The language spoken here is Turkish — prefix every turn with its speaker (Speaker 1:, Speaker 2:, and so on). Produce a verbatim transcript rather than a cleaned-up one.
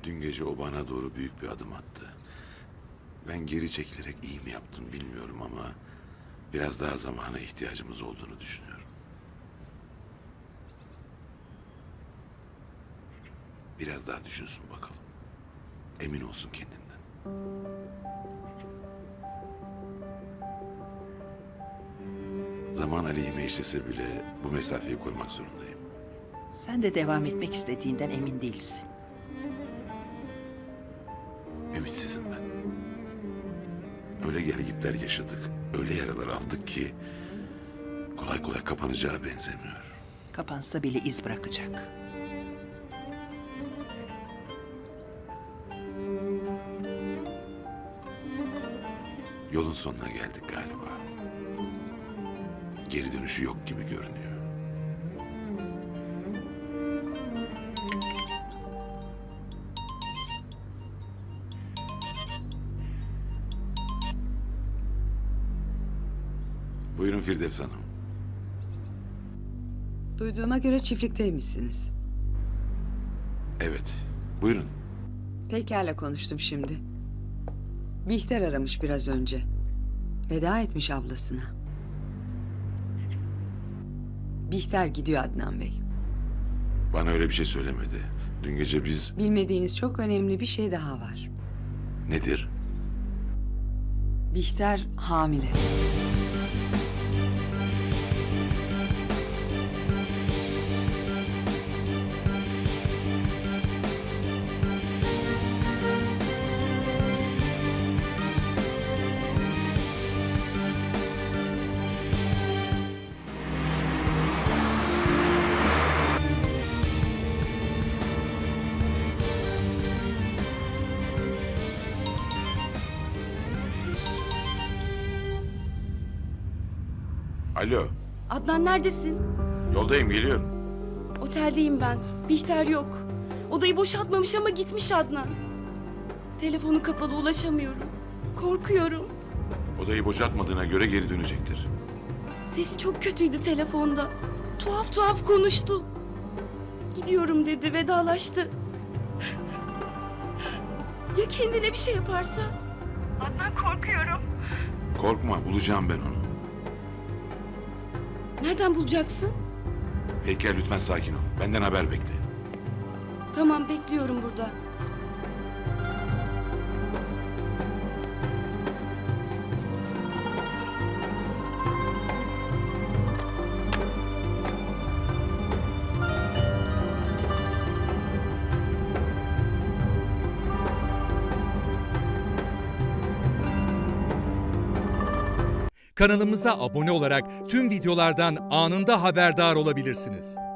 Speaker 1: Dün gece o bana doğru büyük bir adım attı. Ben geri çekilerek iyi mi yaptım bilmiyorum ama biraz daha zamana ihtiyacımız olduğunu düşünüyorum. Biraz daha düşünsün bakalım. Emin olsun kendinden. Zaman aleyhime işlese bile bu mesafeyi koymak zorundayım.
Speaker 2: Sen de devam etmek istediğinden emin değilsin.
Speaker 1: Ümitsizim ben. Öyle gelgitler yaşadık, öyle yaralar aldık ki kolay kolay kapanacağı benzemiyor.
Speaker 2: Kapansa bile iz bırakacak.
Speaker 1: Yolun sonuna geldik galiba. Geri dönüşü yok gibi görünüyor. Buyurun Firdevs Hanım.
Speaker 3: Duyduğuma göre çiftlikteymişsiniz.
Speaker 1: Evet, buyurun.
Speaker 3: Peyker'le konuştum şimdi. Bihter aramış biraz önce. Veda etmiş ablasına. Bihter gidiyor Adnan Bey.
Speaker 1: Bana öyle bir şey söylemedi. Dün gece biz...
Speaker 3: Bilmediğiniz çok önemli bir şey daha var.
Speaker 1: Nedir?
Speaker 3: Bihter hamile.
Speaker 1: Alo,
Speaker 4: Adnan neredesin?
Speaker 1: yoldayım, geliyorum.
Speaker 4: Oteldeyim ben. Bihter yok. Odayı boşaltmamış ama gitmiş Adnan. Telefonu kapalı, ulaşamıyorum. Korkuyorum.
Speaker 1: Odayı boşaltmadığına göre geri dönecektir.
Speaker 4: Sesi çok kötüydü telefonda. Tuhaf tuhaf konuştu. Gidiyorum dedi, vedalaştı. Ya kendine bir şey yaparsa? Adnan korkuyorum.
Speaker 1: Korkma, bulacağım ben onu.
Speaker 4: Nereden bulacaksın?
Speaker 1: Peyker lütfen sakin ol. Benden haber bekle.
Speaker 4: Tamam, bekliyorum burada.
Speaker 5: Kanalımıza abone olarak tüm videolardan anında haberdar olabilirsiniz.